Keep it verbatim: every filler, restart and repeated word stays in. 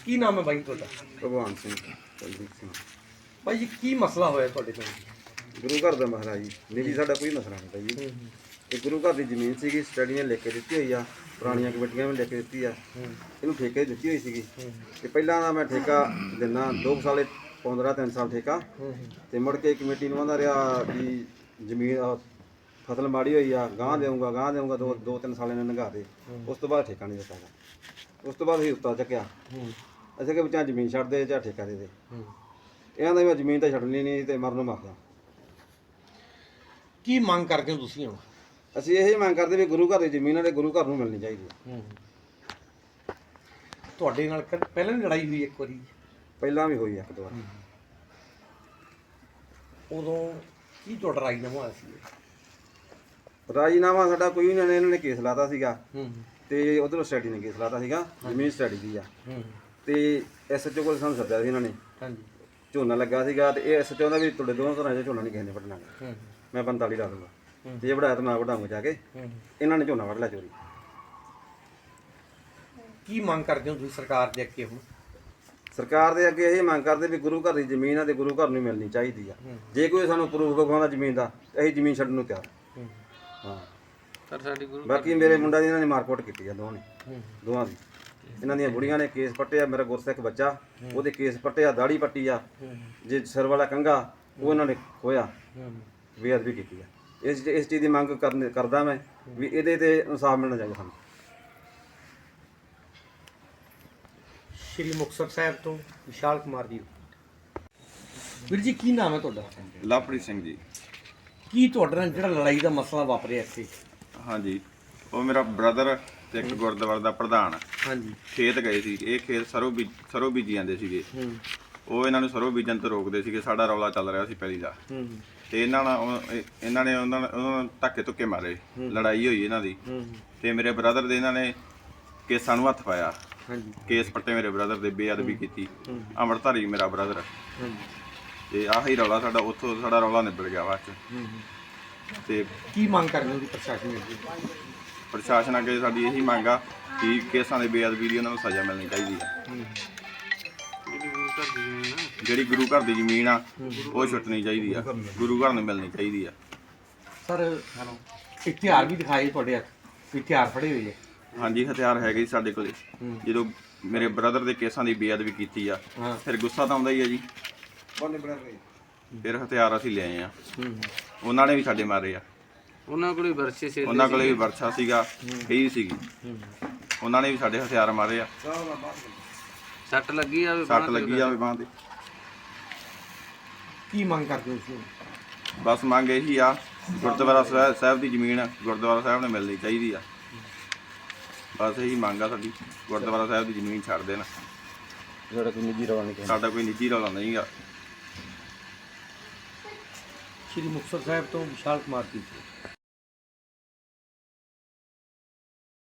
ਕੀ ਨਾਮ ਹੈ ਬਾਈ ਤੁਹਾਡਾ? ਭਗਵਾਨ ਸਿੰਘ ਕੁਲਦੀਪ ਸਿੰਘ। ਬਾਈ ਜੀ ਕੀ ਮਸਲਾ ਹੋਇਆ ਤੁਹਾਡੇ ਪਿੰਡ? ਗੁਰੂ ਘਰ ਦਾ ਮਸਲਾ ਜੀ, ਨਿੱਜੀ ਸਾਡਾ ਕੋਈ ਮਸਲਾ ਨਹੀਂ ਤਾ ਜੀ। ਇਹ ਗੁਰੂ ਘਰ ਦੀ ਜ਼ਮੀਨ ਸੀਗੀ, ਸਟੱਡੀਆਂ ਲਿਖ ਕੇ ਦਿੱਤੀ ਹੋਈ ਆ, ਪੁਰਾਣੀਆਂ ਕਮੇਟੀਆਂ ਵੀ ਲਿਖ ਕੇ ਦਿੱਤੀ ਆ, ਇਹਨੂੰ ਠੇਕੇ ਦਿੱਤੀ ਹੋਈ ਸੀਗੀ। ਤੇ ਪਹਿਲਾਂ ਦਾ ਮੈਂ ਠੇਕਾ ਦਿੰਦਾ ਦੋ ਕੁ ਸਾਲੇ ਪੰਦਰਾਂ ਤਿੰਨ ਸਾਲ ਠੇਕਾ, ਤੇ ਮੁੜ ਕੇ ਕਮੇਟੀ ਨੂੰ ਆਂਦਾ ਰਿਹਾ ਵੀ ਜ਼ਮੀਨ ਫਸਲ ਮਾੜੀ ਹੋਈ ਆ, ਗਾਂਹ ਦੇਊਂਗਾ ਗਾਂਹ ਦੇਊਂਗਾ, ਦੋ ਦੋ ਤਿੰਨ ਸਾਲ ਇਹਨੇ ਲੰਘਾ ਦੇ। ਉਸ ਤੋਂ ਬਾਅਦ ਠੇਕਾ ਨਹੀਂ ਦਿੱਤਾ ਗਾ। ਉਸ ਤੋਂ ਬਾਅਦ ਅਸੀਂ ਉੱਤਾ ਚੱਕਿਆ, ਅਸੀਂ ਕਿ ਚਾਹ ਜ਼ਮੀਨ ਛੱਡ ਦੇ ਚਾਹ ਠੇਕਾ ਦੇ ਦੇ। ਇਹਨਾਂ ਦਾ ਮੈਂ ਜ਼ਮੀਨ ਤਾਂ ਛੱਡਣੀ ਨਹੀਂ ਤੇ ਮਰਨ ਨੂੰ ਮਰਦਾ। ਕੀ ਮੰਗ ਕਰਦੇ ਹੋ ਤੁਸੀਂ ਹੁਣ? ਅਸੀਂ ਇਹ ਮੰਗ ਕਰਦੇ ਵੀ ਗੁਰੂ ਘਰ ਦੀ ਜ਼ਮੀਨ ਵਾਲੇ ਗੁਰੂ ਘਰ ਨੂੰ ਮਿਲਣੀ ਚਾਹੀਦੀ ਹੈ। ਤੁਹਾਡੇ ਨਾਲ ਕਦ ਪਹਿਲਾਂ ਵੀ ਲੜਾਈ ਹੋਈ ਇੱਕ ਵਾਰੀ? ਪਹਿਲਾਂ ਵੀ ਹੋਈ ਇੱਕ ਦੋ ਵਾਰ। ਉਦੋਂ ਕੀ ਤੁਹਾਡਾ ਰਾਜੀਨਾਮਾ ਹੋਇਆ ਸੀ? ਰਾਜੀਨਾਮਾ ਸਾਡਾ ਕੋਈ ਨਹੀਂ, ਇਹਨਾਂ ਨੇ ਕੇਸ ਲਾਤਾ ਸੀਗਾ ਤੇ ਉਧਰੋਂ ਸਟੱਡੀ ਨੇ ਕੇਸ ਲਾਤਾ ਸੀਗਾ, ਜ਼ਮੀਨ ਸਟੱਡੀ ਦੀ ਆ। ਤੇ ਐਸਐਚਓ ਕੋਲ ਸਾਨੂੰ ਸੱਦਿਆ ਸੀ ਇਹਨਾਂ ਨੇ। ਹਾਂਜੀ। ਝੋਨਾ ਝੋਨਾ ਲੱਗਾ ਸੀਗਾ ਤੇ ਇਹ ਐਸਐਚਓ ਦਾ ਵੀ ਤੁਹਾਡੇ ਦੋਵਾਂ ਤਰ੍ਹਾਂ ਦਾ ਝੋਨਾ ਨਹੀਂ ਕਿਸੇ ਨੇ ਵੱਢਣਾ, ਮੈਂ ਪੰਤਾਲੀ ਲਾ ਦੂੰਗਾ, ਜੇ ਵੜਾਇਆ ਤਾਂ ਮੈਂ ਵਢਾਊਂਗਾ ਜਾ ਕੇ। ਇਹਨਾਂ ਨੇ ਝੋਨਾ ਵੱਢ ਲਿਆ ਚੋਰੀ। ਕੀ ਮੰਗ ਕਰਦੇ ਹੋ ਤੁਸੀਂ ਸਰਕਾਰ ਦੇ ਅੱਗੇ ਹੁਣ? ਸਰਕਾਰ ਦੇ ਅੱਗੇ ਇਹ ਮੰਗ ਕਰਦੇ ਵੀ ਗੁਰੂ ਘਰ ਦੀ ਜ਼ਮੀਨ ਆ ਤੇ ਗੁਰੂ ਘਰ ਨੂੰ ਮਿਲਣੀ ਚਾਹੀਦੀ ਆ। ਜੇ ਕੋਈ ਸਾਨੂੰ ਪ੍ਰੂਫ ਵਿਖਾਉਂਦਾ ਜ਼ਮੀਨ ਦਾ, ਅਸੀਂ ਜ਼ਮੀਨ ਛੱਡਣ ਨੂੰ ਤਿਆਰ ਹਾਂ। ਪਰ ਸਾਡੀ ਗੁਰੂ ਬਾਕੀ ਮੇਰੇ ਮੁੰਡਾ ਦੀ ਇਹਨਾਂ ਨੇ ਮਾਰਕੁੱਟ ਕੀਤੀ ਆ, ਦੋਵਾਂ ਨੇ ਦੋਵਾਂ ਦੀ। ਇਹਨਾਂ ਦੀਆਂ ਬੁੜੀਆਂ ਨੇ ਕੇਸ ਪੱਟਿਆ, ਮੇਰਾ ਗੁਰਸਿੱਖ ਬੱਚਾ ਉਹਦੇ ਕੇਸ ਪੱਟਿਆ, ਦਾੜੀ ਪੱਟੀ ਆ, ਜੇ ਸਿਰ ਵਾਲਾ ਕੰਘਾ ਉਹ ਇਹਨਾਂ ਨੇ ਖੋਇਆ, ਬੇਅਦਬੀ ਕੀਤੀ ਆ। ਇਸ ਇਸ ਚੀਜ਼ ਦੀ ਮੰਗ ਕਰਨ ਕਰਦਾ ਮੈਂ ਵੀ ਇਹਦੇ ਤੇ ਇਨਸਾਫ ਮਿਲਣਾ ਚਾਹੀਦਾ ਸਾਨੂੰ। ਸ਼੍ਰੀ ਮੁਕਤਸਰ ਸਾਹਿਬ ਤੋਂ ਵਿਸ਼ਾਲ ਕੁਮਾਰ ਜੀ। ਵੀਰ ਜੀ ਕੀ ਨਾਮ ਹੈ ਤੁਹਾਡਾ? ਲਵਪ੍ਰੀਤ ਸਿੰਘ ਜੀ। ਕੀ ਤੁਹਾਡੇ ਨਾਲ ਜਿਹੜਾ ਲੜਾਈ ਦਾ ਮਸਲਾ ਵਾਪਰਿਆ ਇੱਥੇ? ਹਾਂਜੀ, ਉਹ ਮੇਰਾ ਬ੍ਰਦਰ ਤੇ ਇੱਕ ਗੁਰਦੁਆਰੇ ਦਾ ਪ੍ਰਧਾਨ ਹਾਂਜੀ। ਖੇਤ ਗਏ ਸੀ। ਇਹ ਖੇਤ ਸਰੋਂ ਬੀਜ ਸਰੋਂ ਬੀਜੀ ਜਾਂਦੇ ਸੀਗੇ। ਉਹ ਇਹਨਾਂ ਨੂੰ ਸਰੋਂ ਬੀਜਣ ਤੋਂ ਰੋਕਦੇ ਸੀਗੇ। ਸਾਡਾ ਰੌਲਾ ਚੱਲ ਰਿਹਾ ਸੀ ਪਹਿਲੀ ਦਾ, ਤੇ ਇਹਨਾਂ ਨਾਲ ਉਹ- ਇਹ- ਇਹਨਾਂ ਨੇ ਉਹਨਾਂ ਉਹਨਾਂ ਨੂੰ ਧੱਕੇ ਧੁੱਕੇ ਮਾਰੇ, ਲੜਾਈ ਹੋਈ ਇਹਨਾਂ ਦੀ। ਤੇ ਮੇਰੇ ਬ੍ਰਦਰ ਦੇ ਇਹਨਾਂ ਨੇ ਕੇਸਾਂ ਨੂੰ ਹੱਥ ਪਾਇਆ। ਹਾਂਜੀ। ਕੇਸ ਪੱਟੇ ਮੇਰੇ ਬ੍ਰਦਰ ਦੇ, ਬੇਅਦਬੀ ਕੀਤੀ। ਅੰਮ੍ਰਿਤਧਾਰੀ ਮੇਰਾ ਬ੍ਰਦਰ। ਤੇ ਆਹੀ ਰੌਲਾ ਸਾਡਾ, ਉੱਥੋਂ ਸਾਡਾ ਰੌਲਾ ਨਿਬੜ ਗਿਆ ਬਾਅਦ ਚ। ਤੇ ਕੀ ਮੰਗ ਕਰਦੇ ਹੋ ਪ੍ਰਸ਼ਾਸਨ ਅੱਗੇ? ਪ੍ਰਸ਼ਾਸਨ ਅੱਗੇ ਸਾਡੀ ਇਹੀ ਮੰਗ ਆ ਕਿ ਕੇਸਾਂ ਦੇ ਬੇਅਦਬੀ ਦੀ ਉਹਨਾਂ ਨੂੰ ਸਜ਼ਾ ਮਿਲਣੀ ਚਾਹੀਦੀ ਆ। ਜਿਹੜੀ ਗੁਰੂ ਘਰ ਦੀ ਜ਼ਮੀਨ ਆ ਉਹ ਛੁੱਟਣੀ ਚਾਹੀਦੀ ਆ, ਗੁਰੂ ਘਰ ਨੂੰ ਮਿਲਣੀ ਚਾਹੀਦੀ ਆ। ਸਰ ਹਥਿਆਰ ਵੀ ਦਿਖਾਏ ਤੁਹਾਡੇ ਹੱਥ, ਹਥਿਆਰ ਫੜੇ ਹੋਏ ਆ? ਹਾਂਜੀ, ਹਥਿਆਰ ਹੈਗੇ ਜੀ ਸਾਡੇ ਕੋਲੇ। ਜਦੋਂ ਮੇਰੇ ਬ੍ਰਦਰ ਦੇ ਕੇਸਾਂ ਦੀ ਬੇਅਦਬੀ ਕੀਤੀ ਆ, ਫਿਰ ਗੁੱਸਾ ਤਾਂ ਆਉਂਦਾ ਹੀ ਆ ਜੀ। ਫਿਰ ਹਥਿਆਰ ਅਸੀਂ ਲਿਆਏ ਆ। ਉਹਨਾਂ ਨੇ ਵੀ ਸਾਡੇ ਮਾਰੇ ਆ। ਉਹਨਾਂ ਕੋਲ ਵਰਸੇ ਸੀ, ਉਹਨਾਂ ਕੋਲੇ ਵੀ ਵਰਛਾ ਸੀਗਾ, ਕਹੀ ਸੀਗੀ। ਉਹਨਾਂ ਨੇ ਵੀ ਸਾਡੇ ਹਥਿਆਰ ਮਾਰੇ ਆ। ਸੱਟ ਲੱਗੀ ਆ, ਸੱਟ ਲੱਗੀ ਆ ਬਾਂਹ ਤੇ। ਕੀ ਮੰਗ ਕਰਦੇ ਹੋ ਤੁਸੀਂ? ਬਸ ਮੰਗ ਇਹੀ ਆ, ਗੁਰਦੁਆਰਾ ਸਾਹਿਬ ਸਾਹਿਬ ਦੀ ਜ਼ਮੀਨ ਗੁਰਦੁਆਰਾ ਸਾਹਿਬ ਨੂੰ ਮਿਲਣੀ ਚਾਹੀਦੀ ਆ। ਬਸ ਇਹੀ ਮੰਗ ਆ ਸਾਡੀ, ਗੁਰਦੁਆਰਾ ਸਾਹਿਬ ਦੀ ਜ਼ਮੀਨ ਛੱਡ ਦੇਣ। ਸਾਡਾ ਕੋਈ ਨਿੱਜੀ ਰੌਲਾ ਨਹੀਂ, ਸਾਡਾ ਕੋਈ ਨਿੱਜੀ ਰੌਲਾ ਨਹੀਂ ਗਾ। ਸ਼੍ਰੀ ਮੁਕਤਸਰ ਸਾਹਿਬ ਤੋਂ ਵਿਸ਼ਾਲ ਕੁਮਾਰ ਜੀ।